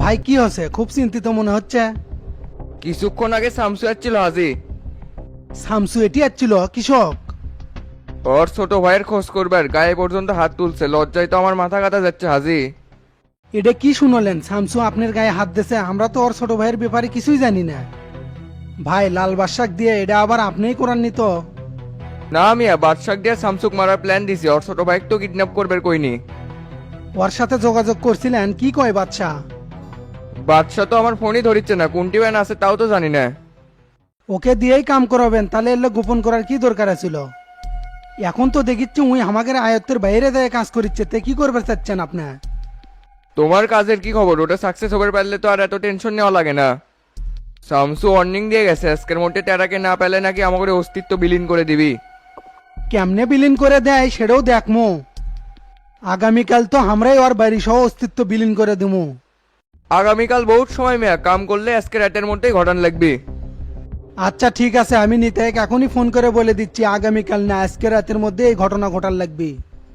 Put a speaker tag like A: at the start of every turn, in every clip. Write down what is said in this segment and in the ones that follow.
A: ভাই কি হচ্ছে? খুব চিন্তিত মনে হচ্ছে।
B: কিছুক্ষণ আগে শামসু আসছিল হাজি।
A: শামসু এটি আসছিল কৃষক?
B: ওর ছোট ভাইয়ের খোঁজ করবার গায়ে পর্যন্ত হাত তুলছে, লজ্জায় তো আমার মাথা কাটা যাচ্ছে হাজি।
A: এটা কি শুনলেন? শামসু আপনার গায়ে হাত দিয়েছে? আমরা তো ওর ছোট ভাইয়ের ব্যাপারে কিছুই জানি না। ভাই লাল বাদশাক দিয়ে এটা আবার আপনিই করাননি তো?
B: না মিয়া, বাদশাক দিয়ে শামসুক মারার প্ল্যান দিছি, ওর ছোট ভাইকে তো কিডন্যাপ করবার কইনি।
A: ওর সাথে যোগাযোগ করছিলেন? কি কয় বাদশা?
B: বাদশা তো আমার ফোনই ধরিচ্ছে না, কোনটি ব্যান আছে তাও তো জানি না।
A: ওকে দিয়েই কাম করাবেন? তাহলে এলে গোপন করার কি দরকার ছিল? এখন তো দেখিচ্ছি উই আমাদের আয়ত্তের বাইরে দেয় কাজ করিচ্ছে, তে কি করবে চাচ্ছেন আপনি?
B: তোমার কাজের কি খবর? ওটা সাকসেস হবার পারলে তো আর এত টেনশন নেওয়া লাগে না। শামসু ওয়ার্নিং দিয়ে গেছে, আজকের মধ্যে টেরাকে না পেলে নাকি আমাকে অস্তিত্ব বিলীন করে দিবি।
A: কেমনে বিলীন করে দেয় সেটাও দেখমু। আগামীকাল তো আমরাই ওর বাড়ি সহ অস্তিত্ব বিলীন করে দিমু।
B: আগামীকাল বহুত সময় মেয়া, কাম করলে আজকে রাতের মধ্যেই ঘটান লাগবে।
A: আচ্ছা ঠিক আছে, আমি নিতাইকে এখনই ফোন করে বলে দিচ্ছি আগামীকাল না আজকে রাতের মধ্যে এই ঘটনা ঘটার লাগবে।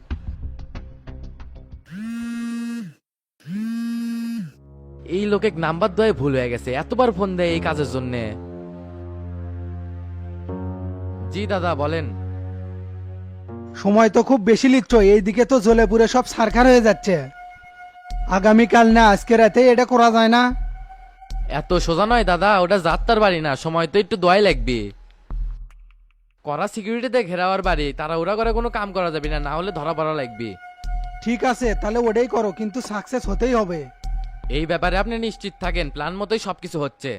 C: এই লোকে নাম্বার দেওয়াই ভুল হয়ে গেছে, এতবার ফোন দেয় এই কাজের জন্য। জি দাদা বলেন।
A: সময় তো খুব বেশি লিচ্ছ, এইদিকে তো জ্বলে পুড়ে সব সারখার হয়ে যাচ্ছে। আগামীকাল না আজকে রাতে এটা করা যায় না?
C: এত সোজা নয় দাদা, ওটা যাত্রার বাড়ি না, সময় তো একটু দোয়াই লাগবে। করা সিকিউরিটিতে ঘেরাওয়ার বাড়ি, তারা ওরা করে কোনো কাম করা যাবে না, না হলে ধরা পড়া লাগবে।
A: ঠিক আছে তাহলে ওটাই করো, কিন্তু সাকসেস হতেই হবে।
C: এই ব্যাপারে আপনি নিশ্চিত থাকেন, প্ল্যান মতোই সবকিছু হচ্ছে।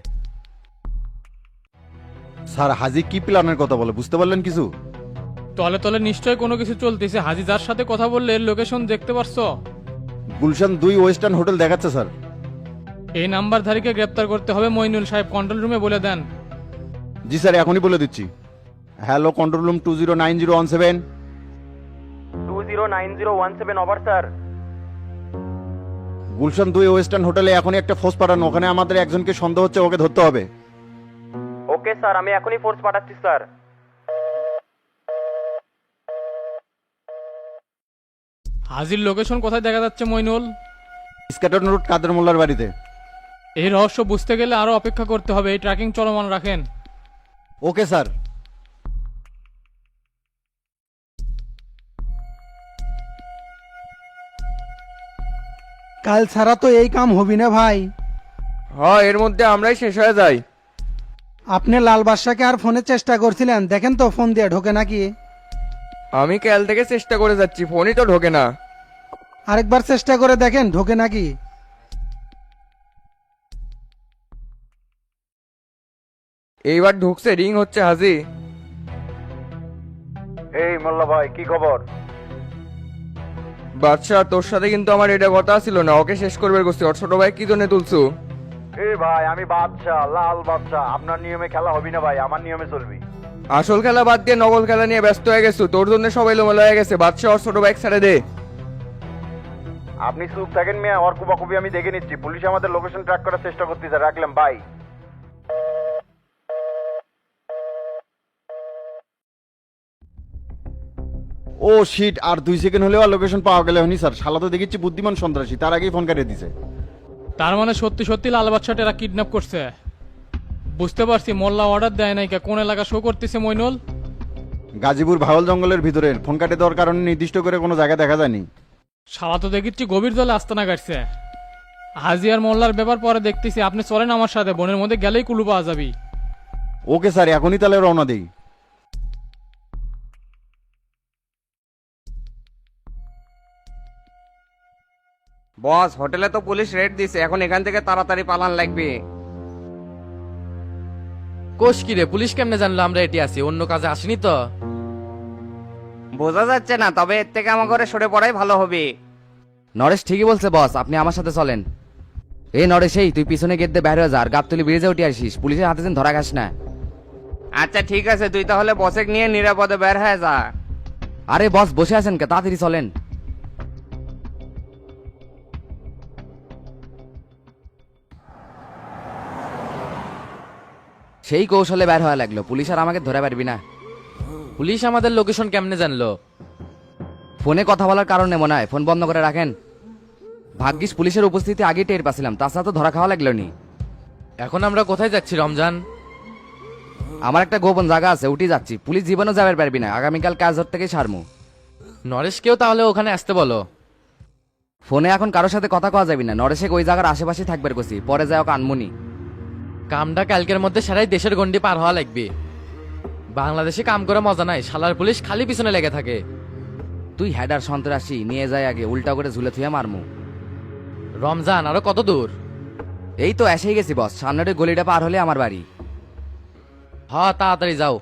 D: স্যার হাজি কি প্ল্যানের কথা বলে বুঝতে পারলেন কিছু?
E: তলে তলে নিশ্চয় কোনো কিছু চলতেছে। হাজি যার সাথে কথা বললে লোকেশন দেখতে পারছো?
D: গুলশান 2 ওয়েস্টার্ন হোটেল দেখাচ্ছে স্যার।
E: এই নাম্বারধারীকে গ্রেপ্তার করতে হবে। মইনুল সাহেব কন্ট্রোল রুমে বলে দেন।
D: জি স্যার এখনই বলে দিচ্ছি। Hello control room 209017।
B: 209017 over sir.
D: Gulshan 2 Western হোটেলে এখনই একটা ফোর্স পাঠানো, ওখানে আমাদের একজনকে সন্দেহ হচ্ছে, ওকে ধরতে হবে।
B: ওকে স্যার, আমি এখনই ফোর্স পাঠাচ্ছি স্যার।
E: হাজির লোকেশন কোথায় দেখা যাচ্ছে মইনুল?
D: স্ক্যাটন রোড কাদের মোল্লার বাড়িতে।
E: এই রহস্য বুঝতে গেলে আরো অপেক্ষা করতে হবে। এই ট্র্যাকিং চলমান রাখেন।
D: Okay sir.
A: কাল ছাড়া তো এই কাম হবি না ভাই।
B: হ্যাঁ, এর মধ্যে আমরাই শেষ হয়ে যাই।
A: আপনি লাল বাদশাকে আর ফোনে চেষ্টা করছিলেন? দেখেন তো ফোন দিয়ে ঢোকে নাকি।
B: আমি কাল থেকে চেষ্টা করে যাচ্ছি, ফোনই তো ঢোকে না।
A: আরেকবার চেষ্টা করে দেখেন ঢোকে নাকি।
B: এইবার ঢুকছে, রিং হচ্ছে হাজি।
D: এই মোল্লা ভাই কি খবর?
B: বাদশাহ তোর সাথে কিন্তু আমার এটা কথা ছিল না, ওকে শেষ করবে করছি। ওর ছোট ভাই কি জন্য তুলছু?
D: এই ভাই আমি বাদশাহ, লাল বাদশাহ, আপনার নিয়মে খেলা হবি না ভাই, আমার নিয়মে চলবি।
B: আসল খেলা বাদ দিয়ে নকল খেলা নিয়ে ব্যস্ত হয়ে গেছো, তোর জন্য সবাই লোমেলা হয়ে গেছে। বাদশাহ ওর ছোট ভাই ছেড়ে দে।
D: আপনি চুপ থাকেন মিয়া, ওর কুবাকুবি আমি দেখে নিচ্ছি। পুলিশ আমাদের লোকেশন ট্র্যাক করার চেষ্টা করতেছে, রাখলাম বাই। ও শিট, আর 2 সেকেন্ড হলেও আর লোকেশন পাওয়া গেল হয়নি স্যার। শালা তো দেখেছি বুদ্ধিমান সন্ত্রাসী, তার আগেই ফোন কাটিয়ে দিছে।
E: তার মানে সত্যি সত্যি লাল বাদশাটা এরা কিডন্যাপ করছে। বুঝতে পারছি। মোল্লা অর্ডার দেয় নাই কে? কোন এলাকা শো করতেছে মইনুল?
D: গাজীপুর ভাওয়াল জঙ্গলের ভিতরে। ফোন কাটে দেওয়ার কারণে নির্দিষ্ট করে কোনো জায়গা দেখা যায়নি।
E: শালা তো দেখেছি গভীর জলে আস্তানা কাটছে। হাজি আর মোল্লার ব্যাপার পরে দেখতেছি। আপনি চলেন আমার সাথে, বনের মধ্যে গেলেই কুলু পাওয়া যাবি।
D: ওকে স্যার, এখনই তাহলে রওনা দেই।
B: বস, হোটেলে তো পুলিশ রেড দিছে, এখন এখান থেকে তাড়াতাড়ি পালান লাগবে।
C: কোষ কি রে, পুলিশ কেমনে জানলো আমরা এটি আছি? অন্য কাজে আসিনি তো।
B: বোঝা যাচ্ছে না, তবে এর থেকে আমার ঘরে সরে পড়াই ভালো হবে।
F: নরেশ ঠিকই বলছে বস, আপনি আমার সাথে চলেন। এই নরেশ, এই তুই পিছনে গেট দিয়ে বাইরে যা, আর গাবতলি ব্রিজে উঠে আসিস, পুলিশের হাতে যেন ধরা খাস না।
B: আচ্ছা ঠিক আছে, তুই তাহলে বসেক নিয়ে নিরাপদে বের হয়ে যা।
F: আরে বস বসে আছেন কে, তাড়াতাড়ি চলেন। সেই কৌশলে বের হওয়া লাগলো, পুলিশ আর আমাকে ধরে পারবি না।
C: পুলিশ আমাদের লোকেশন কেমনে জানলো?
F: ফোনে কথা বলার কারণে মনে হয়। ফোন বন্ধ করে রাখেন। ভাগ্যিস পুলিশের উপস্থিতি আগে টের পাছিলাম, তাছাড়া তো ধরা খাওয়া লাগলো নি।
C: এখন আমরা কোথায় যাচ্ছি রমজান?
F: আমার একটা গোপন জায়গা আছে, উঠে যাচ্ছি। পুলিশ জীবনও যাবে পারবি না, আগামীকাল কাজ ধর থেকে সারমু।
C: নরেশকেও তাহলে ওখানে আসতে বলো।
F: ফোনে এখন কারোর সাথে কথা কওয়া যাবি না, নরেশে ওই জায়গার আশেপাশে থাকবে কছি, পরে যায় ওকে আনমুনি।
C: কামটা কালকের মধ্যে সারাই দেশের গন্ডি পার হওয়া লাগবে। বাংলাদেশে কাম করে মজা নাই, শালার পুলিশ খালি পিছনে লেগে থাকে।
F: তুই হেডার সন্ত্রাসী নিয়ে যায় আগে, উল্টা করে ঝুলে থুয়ে মারমু।
C: রমজান আরো কত দূর?
F: এই তো এসেই গেছি বস, সামনের ওই গলিটা পার হলে আমার বাড়ি।
C: হ তাড়াতাড়ি যাও।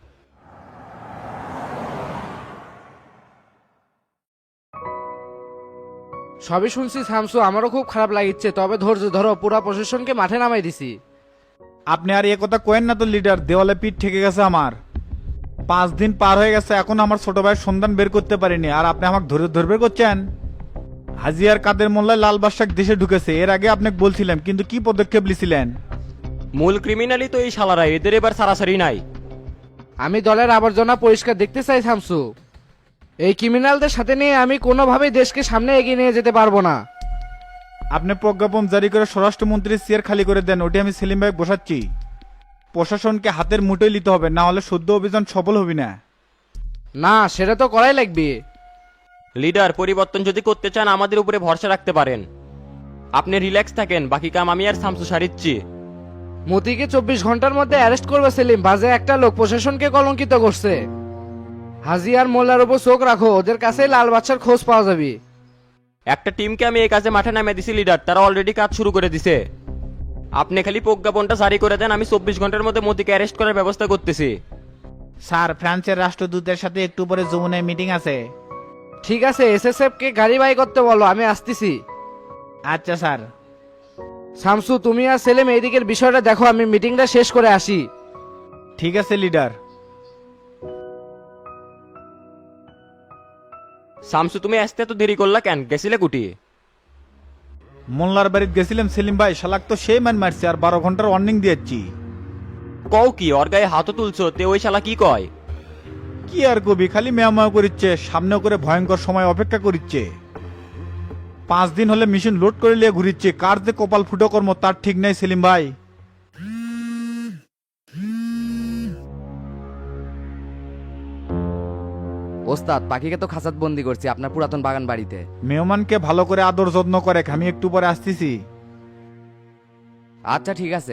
G: সবই শুনছি শামসু, আমারও খুব খারাপ লাগিচ্ছে, তবে ধৈর্য ধরো, পুরা প্রশাসনকে মাঠে নামাই দিছি।
H: আপনি আর এ কথা কোয়েন না তো লিডার, দেওয়ালে পিঠ ঠেকে গেছে আমার। 5 দিন পার হয়ে গেছে, এখন আমার ছোট ভাইয়ের সন্ধান বের করতে পারিনি, আর আপনি আমাকে ধরে করছেন। হাজিয়ার কাদের মোল্লায় লাল বাদশাহ দেশে ঢুকেছে, এর আগে আপনাকে বলছিলাম, কিন্তু কি পদক্ষেপ নিয়েছিলেন?
I: মূল ক্রিমিনালই তো এই শালারা, এদের এবার সারাসারি নাই।
G: আমি দলের আবর্জনা পরিষ্কার দেখতে চাই শামসু। এই ক্রিমিনালদের সাথে নিয়ে আমি কোনোভাবেই দেশকে সামনে এগিয়ে নিয়ে যেতে পারবো না।
H: আপনি প্রজ্ঞাপন জারি করে স্বরাষ্ট্রমন্ত্রীর চেয়ার খালি করে দেন, ওটি আমি সেলিম ভাই বসাচ্ছি। প্রশাসনকে হাতের মুঠোয় নিতে হবে, না হলে শুদ্ধ অভিযান সফল হবে না।
G: না, সেটা তো করাই লাগবে।
I: লিডার, পরিবর্তন যদি করতে চান আমাদের উপরে ভরসা রাখতে পারেন। আপনি রিল্যাক্স থাকেন, বাকি কাম আমি আর শামসু সারিচ্ছি।
G: মতিকে 24 ঘন্টার মধ্যে অ্যারেস্ট করবে সেলিম, বাজে একটা লোক প্রশাসনকে কলঙ্কিত করছে। হাজি আর মোল্লার উপর চোখ রাখো, ওদের কাছে লাল বাচ্চার খোঁজ পাওয়া যাবে।
I: একটা টিমকে আমি এই কাজে মাঠে নামিয়ে দিছি লিডার, তারা অলরেডি কাজ শুরু করে দিছে। আপনি খালি প্রজ্ঞাপনটা জারি করে দেন, আমি 24 ঘন্টার মধ্যে মোদিকে অ্যারেস্ট করার ব্যবস্থা করতেছি।
H: স্যার, ফ্রান্সের রাষ্ট্রদূতের সাথে একটু পরে যমুনায় মিটিং আছে।
G: ঠিক আছে, এসএসএফ কে গাড়ি বাই করতে বলো, আমি আসতেছি।
H: আচ্ছা স্যার।
G: শামসু, তুমি আর সেলিম এইদিকের বিষয়টা দেখো, আমি মিটিংটা শেষ করে আসি।
H: ঠিক আছে লিডার।
I: শামসু, তুমি আসতে তো দেরি করলা কেন? গেছিলে কুটি?
H: মোল্লার বাড়িতে গেছিলাম সেলিম ভাই, শালাক তো সেই মান মারছে, আর 12 ঘন্টার ওয়ার্নিং দিয়েছি।
I: কও কি? ওর গায়ে হাতও তুলছো, তে ওই শালা কি কয়?
H: কি আর কবি, খালি মেয়াময় করিচ্ছে, সামনে করে ভয়ঙ্কর সময় অপেক্ষা করিচ্ছে। 5 দিন হলে মেশিন লোড করে নিয়ে ঘুরিচ্ছে, কার যে কপাল ফুটো কর্ম তার ঠিক নাই সেলিম ভাই।
F: ওস্তাদ, পাখিকে তো খাঁচাত বন্দি করছি আপনার পুরাতন বাগান বাড়িতে।
H: মেহমানকে ভালো করে আদর যত্ন করে, আমি একটু পরে আসতেছি।
F: আচ্ছা ঠিক আছে।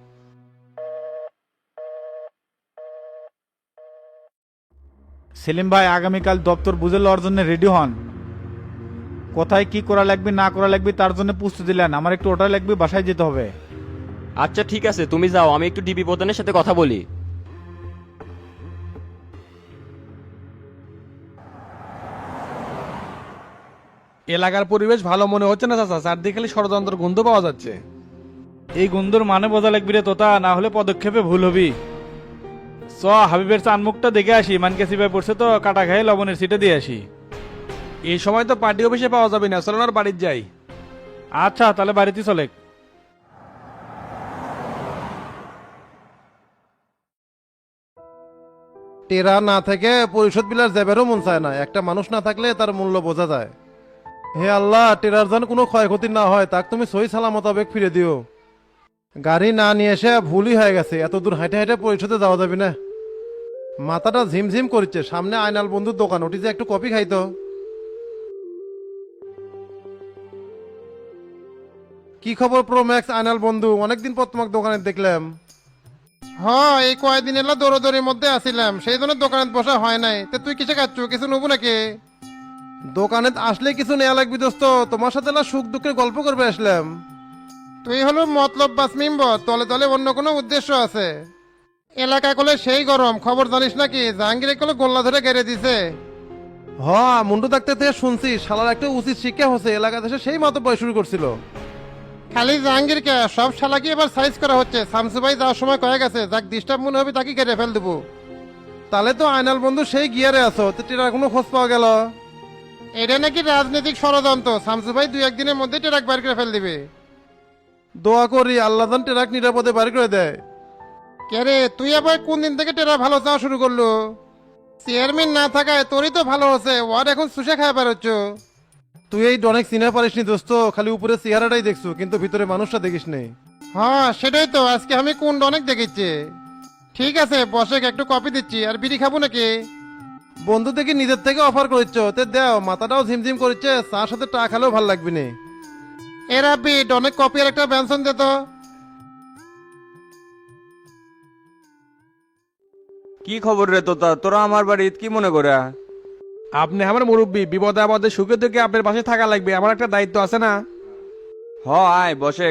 H: সেলিম ভাই, আগামীকাল দপ্তর বুঝে লওয়ার জন্য রেডি হন। কোথায় কি করা লাগবে না করা লাগবে তার জন্য প্রস্তুতি দিলেন, আমার একটু ওটা লাগবে, বাসায় যেতে হবে।
I: আচ্ছা ঠিক আছে, তুমি যাও, আমি একটু ডিবি প্রধানের সাথে কথা বলি।
J: এলাকার পরিবেশ ভালো মনে হচ্ছে না চাচা, চারদিকে খালি ষড়যন্ত্র গন্ধ পাওয়া যাচ্ছে।
E: এই গন্ধর মানে বোঝা লাগবি রে তোতা, না হলে পদক্ষেপে ভুল হবি। চ হাবিবের চানমুখটা দেখে আসি, মানকে সিপাই পড়ছে তো, কাটা খাই লবণের সিটে দিয়ে আসি।
J: এই সময় তো পার্টি অফিসে পাওয়া যাবে না, চলো না বাড়ির যাই।
E: আচ্ছা তাহলে বাড়িতে চলে।
K: টেরা না থেকে পরিশোধ বিলার যাবেরও মন চায় না, একটা মানুষ না থাকলে তার মূল্য বোঝা যায়। হে আল্লাহ, টেরার যেন কোনো ক্ষয়ক্ষতি না হয়, তাক তুমি সহি সালামত আবেগ ফিরে দিও। গাড়ি না নিয়ে এসে ভুলই হয়ে গেছে, এত দূর হাঁটে হাঁটে পরিশোধে যাওয়া যাবে না। মাথাটা ঝিমঝিম করছে, সামনে আয়নাল বন্ধুর দোকান, ওটি যে একটু কফি খাইতো। কি খবর প্রো ম্যাক্স আয়নাল বন্ধু, অনেকদিন পর তোমাকে দোকানে দেখলাম। হ্যাঁ, এই কয়েকদিন এলা দৌড়দৌড়ির মধ্যে আসিলাম, সেই জন্য দোকানে বসা হয় নাই। তে তুই কিসে খাচ্ছ, কিছু নেবো নাকি? দোকানে আসলে কিছু নেওয়া লাগবি দোস্ত, তোমার সাথে না সুখ দুঃখের গল্প করবে আসলাম। তুই হলো মতলব বাস মেম্বার, তলে তলে অন্য কোনো উদ্দেশ্য আছে। এলাকা কলে সেই গরম, খবর জানিস নাকি? জাহাঙ্গীর কলে গোল্লা ধরে গেড়ে দিছে। হ, মুন্ডু ডাক্তার থেকে শুনছি, শালার একটা উচিত শিক্ষা হচ্ছে, এলাকা দেশে সেই মতো বয় শুরু করছিল। খালি জাহাঙ্গীর কে, সব শালাকে এবার সাইজ করা হচ্ছে। শামসু ভাই যাওয়ার সময় কয়ে গেছে, যাক ডিস্টার্ব মনে হবে তাকে কেটে ফেল দেবো। তাহলে তো আয়নাল বন্ধু সেই গিয়ারে আছো, তো টেরার কোনো খোঁজ পাওয়া গেল? এটা নাকি রাজনৈতিক ষড়যন্ত্র, শামসু ভাই 2-1 দিনের মধ্যে টেরাক বাইর করে ফেল দিবে। দোয়া করি আল্লাহ যেন টেরাক নিরাপদে বাড়ি করে দেয়। কে রে, তুই আবার কোন দিন থেকে টেরা ভালো চাওয়া শুরু করলো? চেয়ারম্যান না থাকায় তোরই তো ভালো হচ্ছে, ওর এখন সুশে খায় বেরোচ্ছ। তুই এই অনেক সিনে পারিসনি দোস্ত, খালি উপরে চেহারাটাই দেখছো কিন্তু ভিতরে মানুষটা দেখিস নে। হ্যাঁ সেটাই তো, আজকে আমি কোন অনেক দেখেছি। ঠিক আছে বসে একটু কপি দিচ্ছি, আর বিড়ি খাবো নাকি? বন্ধু দেখি নিজের থেকে অফার করেছ, তে দেও, মাথাটাও ঝিমঝিম করছে, চার সাথে টা খেলেও ভাল লাগবে না। এরা বিট অনেক কপি আর একটা ব্যঞ্জন দে তো।
B: কি খবর রে তোতা, তোরা আমার বাড়ি কি মনে করে?
J: আপনি আমার মুরব্বী, বিপদে আপদে সুখে দুঃখে আপনার পাশে থাকা লাগবে, আমার একটা দায়িত্ব আছে না?
B: আয় বসে।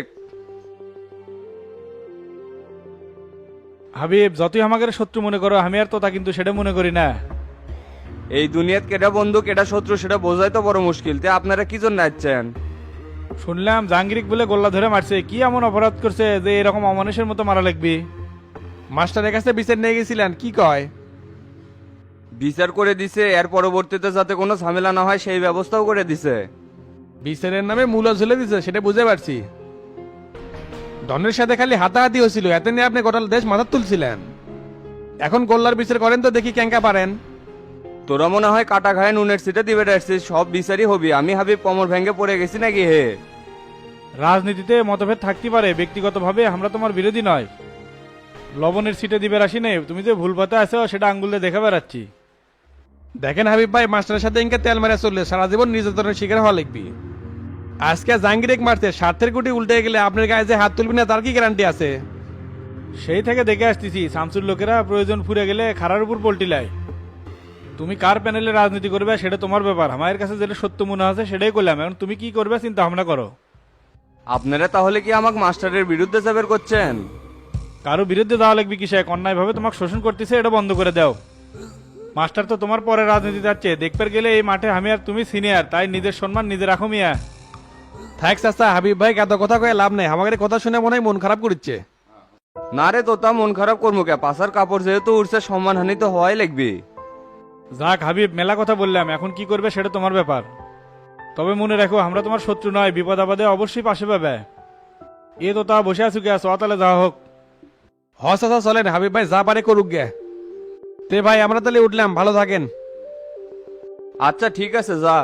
E: হাবিব, যতই আমাকে শত্রু মনে করো, আমি আর তোতা কিন্তু সেটা মনে করি না।
B: এই দুনিয়াত কেটা বন্ধু কেটা শত্রু সেটা বোঝাই তো বড় মুশকিল। তে আপনারা কি জন্য আসছেন?
E: শুনলাম জাহাঙ্গীরিক বলে গোল্লা ধরে মারছে, কি এমন অপরাধ করছে যে এরকম অমানুষের মতো মারা লাগবে?
J: মাস্টারের কাছে বিচার নিয়ে গেছিলেন, কি কয়?
B: বিচার করে দিছে, এর পরবর্তীতে যাতে কোনো ঝামেলা না হয় সেই ব্যবস্থাও করে দিছে।
J: বিচারের নামে মূল্য ঝুলে দিছে, সেটা বুঝতে পারছি। ডনের সাথে খালি হাতাহাতি হয়েছিল, এতে নিয়ে আপনি গোটা দেশ মাথা তুলছিলেন। এখন গোল্লার বিচার করেন তো দেখি কেঙ্কা পারেন।
B: তোরা মনে হয় কাটা খায় নুনের সিটে দিবে আসছিস, সব বিচারই হবি। আমি হাবিব কোমর ভেঙে পড়ে গেছি নাকি হে?
E: রাজনীতিতে মতভেদ থাকতে পারে, ব্যক্তিগতভাবে আমরা তোমার বিরোধী নয়। লবণের সিটে দিবে আসি নেই, তুমি যে ভুল পথে আছো সেটা আঙ্গুলে দেখে বেড়াচ্ছি।
J: দেখেন হাবিব ভাই, মাস্টারের সাথে ইনকে তেল মেরে চললে সারা জীবন নির্যাতনের শিকার হওয়া লিখবি। আজকে জাহাঙ্গীরেক মারতে স্বার্থের গুটি উল্টে গেলে আপনার গায়ে যে হাত তুলবি না তার কি গ্যারান্টি আছে?
E: সেই থেকে দেখে আসতেছি শামসুর লোকেরা প্রয়োজন ফুরে গেলে খারার উপর পল্টি লাই। তুমি কার প্যানেলে রাজনীতি করবে সেটা তোমার ব্যাপার, আমার কাছে যেটা সত্য মনে আছে সেটাই করলাম। এখন তুমি কি করবে চিন্তা ভাবনা করো।
B: আপনারা তাহলে কি আমাকে মাস্টারের বিরুদ্ধে যাবের করছেন?
E: কারো বিরুদ্ধে যাওয়া লাগবে কিসে? অন্যায়ভাবে তোমাকে শোষণ করতেছে, এটা বন্ধ করে দাও। মাস্টার তো তোমার পরে রাজনীতি যাচ্ছে, দেখতে গেলে এই মাঠে আমি আর তুমি সিনিয়র, তাই নিজের সম্মান নিজে রাখো মিয়া।
J: থাক চাচা, হাবিব ভাই এত কথা কয়ে লাভ নেই, আমাদের কথা শুনে মনে হয় মন খারাপ করছে।
B: না রে তোতা, মন খারাপ করবো কে? পাশার কাপড় যেহেতু উঠছে, সম্মানহানি তো হওয়াই লাগবে।
E: যাক হাবিব, মেলা কথা বললাম, এখন কি করবে সেটা তোমার ব্যাপার। তবে মনে রাখো আমরা তোমার শত্রু নয়, বিপদ আপদে অবশ্যই পাশে পাবে। এ তো তা বসে আছো কে? তাহলে যাওয়া হোক।
J: হ চাচা চলেন, হাবিব ভাই যা পারে করুক গে। তে ভাই আমরা তাহলে উঠলাম, ভালো থাকেন।
B: আচ্ছা ঠিক আছে, যা।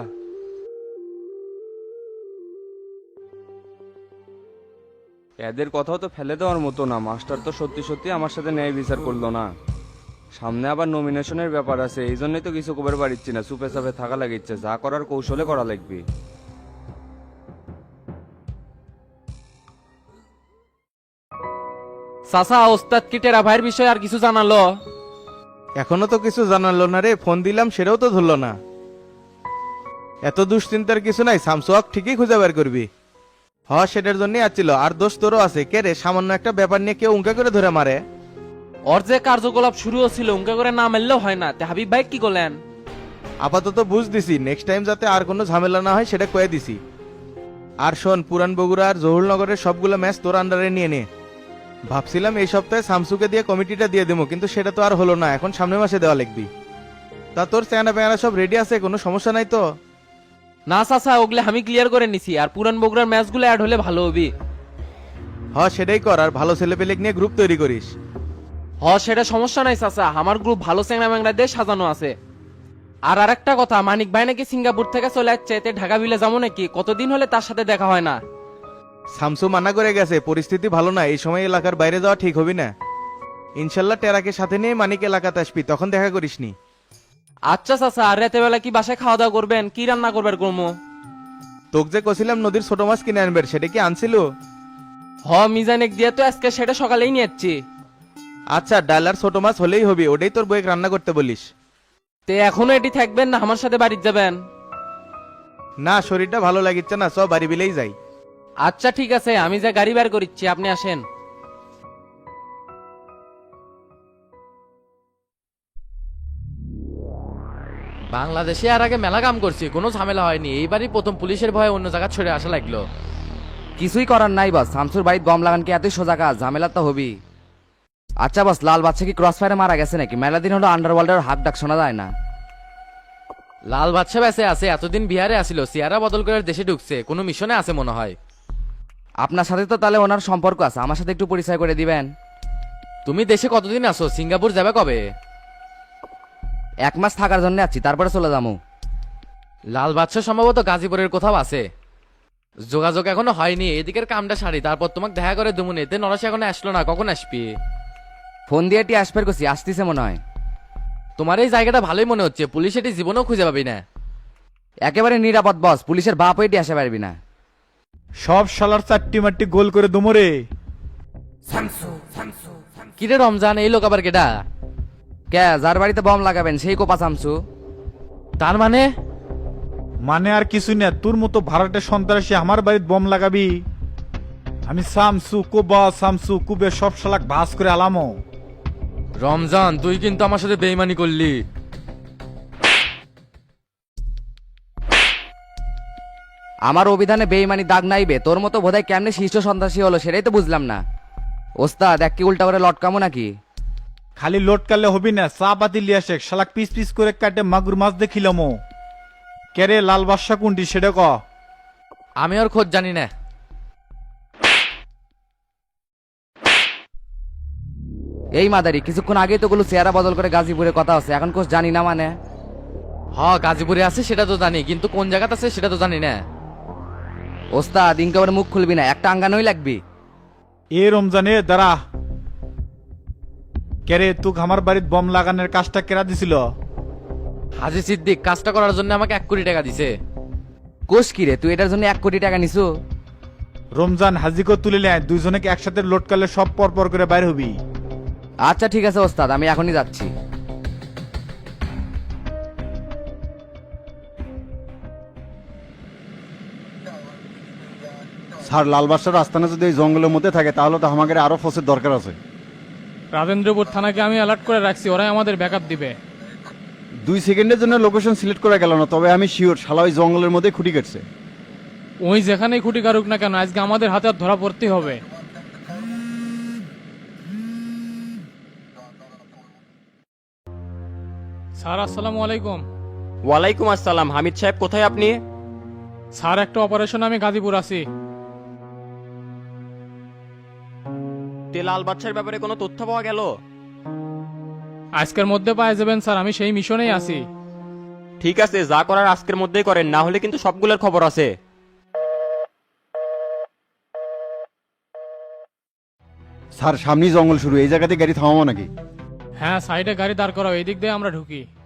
B: এদের কথাও তো ফেলে দেওয়ার মতো না, মাস্টার তো সত্যি সত্যি আমার সাথে ন্যায় বিচার করলো না। সামনে আবার নমিনেশনের ব্যাপার আছে, এই জন্যই তো কিছু কবার পারিচ্ছি না, চুপে চাপে থাকা লাগিচ্ছে। যা করার কৌশলে করা লাগবে।
C: চাচা, ওস্তাদ কি টেরা ভাইয়ের বিষয়ে আর কিছু জানালো?
L: এখনো তো কিছু জানালো না রে, ফোন দিলাম সেটাও তো ধরলো না। এত দুশ্চিন্তার কিছু নাই, স্যামসুয়াক ঠিকই খুঁজে বের করবি। সেটার জন্যই আসছিল। আর দোষ তোরও আছে, কে রে? সামান্য একটা ব্যাপার নিয়ে কেউ উঙ্কা করে ধরে মারে।
C: ওর যে কার্যকলাপ শুরু হচ্ছিল উনকা করে না মারলেও হয় না। তে হাবিব ভাই কি করলেন?
L: আপাতত বুঝ দিছি, নেক্সট টাইম যাতে আর কোনো ঝামেলা না হয় সেটা কয়ে দিছি। আর শোন, পুরান বগুড়া আর জহুরনগরের সবগুলো ম্যাচ তোর আন্ডারে নিয়ে নে। ভাবছিলাম এই সপ্তাহে শামসুকে দিয়ে কমিটিটা দিয়ে দেবো, কিন্তু সেটা তো আর হলো না, এখন সামনের মাসে দেওয়া লাগবি। তা তোর চেহারা পেয়ারা সব রেডি আছে, কোনো সমস্যা নাই তো?
C: না চাচা, ওগুলো আমি ক্লিয়ার করে নিছি, আর পুরান বগুড়ার ম্যাচগুলো অ্যাড হলে ভালো হবে।
L: সেটাই কর, আর ভালো ছেলে পেলে নিয়ে গ্রুপ তৈরি করিস।
C: সেটা সমস্যা নাই চাচা, আমার গ্রুপ ভালো চ্যাংরা ম্যাংরা দিয়ে সাজানো আছে। আর আরেকটা কথা, মানিক ভাই নাকি সিঙ্গাপুর থেকে চলে যাচ্ছে, এতে ঢাকা বিলে যাবো নাকি? কতদিন হলে তার সাথে দেখা হয় না।
L: শামসু মানা করে গেছে, পরিস্থিতি ভালো না, এই সময় এলাকার বাইরে যাওয়া ঠিক হবি না। ইনশাল্লাহ টেরাকে সাথে নিয়ে মানিক এলাকাতে আসবি, তখন দেখা করিসনি।
C: আচ্ছা চাচা, আর রাতে বেলা কি বাসায় খাওয়া দাওয়া করবেন? কি রান্না করবেন কর্ম?
L: তোকে যে কছিলাম নদীর ছোট মাছ কিনে আনবে, সেটা কি আনছিল?
C: মিজানেক দিয়ে তো আজকে সেটা সকালেই নিয়ে যাচ্ছি।
L: আচ্ছা, ডাল আর ছোট মাছ হলেই হবি, ওটাই তোর বইয়ে রান্না করতে বলিস।
C: তে এখনো এটি থাকবেন না আমার সাথে বাড়িতে যাবেন?
L: না, শরীরটা ভালো লাগিচ্ছে না, সব বাড়ি বিলেই যাই।
C: আচ্ছা ঠিক আছে, আমি যা গাড়ি বের করিচ্ছি, আপনি আসেন। বাংলাদেশে আর আগে মেলা কাম করছি, কোনো ঝামেলা হয়নি। এইবারই প্রথম পুলিশের ভয়ে অন্য জায়গা ছেড়ে আসা লাগলো।
F: কিছুই করার নাই বস, শামসুর বাড়িতে গম লাগান কি এতই সোজা কাজ? ঝামেলা তো হবি। আচ্ছা বস, লাল বাচ্চা কি ক্রস ফায়ারে মারা গেছে নাকি? মেলা দিন হলো আন্ডারওয়ার্ল্ডের হাত ডাক শোনা যায় না।
C: লাল বাচ্চা বেঁচে আছে, এতদিন বিহারে আসিল, চেহারা বদল করে দেশে ঢুকছে, কোনো মিশনে আছে মনে হয়।
F: আপনার সাথে তো তাহলে ওনার সম্পর্ক আছে, আমার সাথে একটু পরিচয় করে দিবেন।
C: তুমি দেশে কতদিন আছো? সিঙ্গাপুর যাবে কবে?
F: 1 মাস থাকার জন্য আছি, তারপরে চলে যাবো।
C: লাল বাদশা সম্ভবত গাজীপুরের কোথাও আছে। যোগাযোগ এখনো হয়নি, এদিকের কামটা সারি তারপর তোমাকে দেখা করে দুমুনি। এতে নরসে এখনো আসলো না, কখন আসবি?
F: ফোন দিয়ে টি আসবার করছি, আসতেছে মনে হয়।
C: তোমার এই জায়গাটা ভালোই মনে হচ্ছে, পুলিশ এটি জীবনেও খুঁজে পাবি না।
F: একেবারে নিরাপদ বস, পুলিশের বাপ হয়ে আসতে পারবি না।
H: সব শালার চারটি মারটি গোল করে দুমরে।
C: কিরে রমজান, এই লোক আবার কেডা?
F: কে যার বাড়িতে বম লাগাবেন সেই কোপা শামসু।
C: তার মানে
H: মানে আর কিছু না, তোর মতো ভাড়াটে সন্ত্রাসী আমার বাড়িতে বম লাগাবি? আমি শামসু কোবা শামসু কুবে সব শালাক ভাস করে আলামো।
C: রমজান, তুই কিন্তু আমার সাথে বেইমানি করলি।
F: আমার অভিধানে বেইমানি দাগ নাইবে, তোর মতো বোধহয় কেমনে শীর্ষ সন্ত্রাসী হলো সেটাই তো বুঝলাম না। ওস্তাদ এক কি উল্টা করে লটকামো নাকি?
H: খালি লোট কালে হবি না, চা পাতি লিয়া শেখ, শালাক পিস পিস করে কাটে মাগুর মাছ দেখিলামো। কেরে লাল বাদশা কোনটি সেটা ক।
C: আমি ওর খোঁজ জানি না।
F: এই মাদারি কিছুক্ষণ আগেই তো গুলো চেহারা বদল করে গাজীপুরে কথা আছে, এখন কোচ জানি না মানে?
C: গাজীপুরে আছে সেটা তো জানি, কিন্তু কোন জায়গাতে আছে সেটা তো জানি না।
F: ওস্তাদ ইনকাবার মুখ খুলবি না, একটা আঙ্গানোই লাগবি।
H: এ রমজানে দাঁড়া। কেরে তুক আমার বাড়িতে বম লাগানোর কাজটা কেরা দিছিল?
C: হাজি সিদ্দিক কাজটা করার জন্য আমাকে 1 কোটি টাকা দিছে।
F: কোষ কি রে, তুই এটার জন্য 1 কোটি টাকা নিছু?
H: রমজান হাজিকে তুলে নেয়, দুইজনে একসাথে লোট কালে সব পর পর করে বাইর হবি।
F: আচ্ছা ঠিক আছে ওস্তাদ, আমি এখনই যাচ্ছি।
D: স্যার লাল বাদশার আস্তানা যদি এই জঙ্গলের মধ্যে থাকে তাহলে তো আমাদের আরো ফোর্সের দরকার আছে।
E: রাজেন্দ্রপুর থানাকে আমি অ্যালার্ট করে রাখছি, ওরাই আমাদের ব্যাকআপ দিবে।
D: 2 সেকেন্ডের জন্য লোকেশন সিলেক্ট করা গেল না, তবে আমি শিওর শালা ওই জঙ্গলের মধ্যে খুঁটি কাটছে।
E: ওই যেখানেই খুঁটি কারুক না কেন, আজকে আমাদের হাতে আর ধরা পড়তে হবে। স্যার আসসালামু আলাইকুম।
I: ওয়ালাইকুম আসসালাম। হামিদ সাহেব কোথায় আপনি?
E: স্যার একটা অপারেশন আমি গাজীপুর আছি।
I: তে লাল বাদশার ব্যাপারে কোনো তথ্য পাওয়া গেল?
E: আজকের মধ্যে পাওয়া যাবেন স্যার, আমি সেই মিশনেই আছি।
I: ঠিক আছে, যা করার আজকের মধ্যেই করেন, না হলে কিন্তু সবগুলোর খবর আছে।
D: স্যার সামনেই জঙ্গল শুরু, এই জায়গাতে গাড়ি থামাবো নাকি?
E: হ্যাঁ, সাইডে গাড়ি দাঁড় করাও, এই দিক দিয়ে আমরা ঢুকি।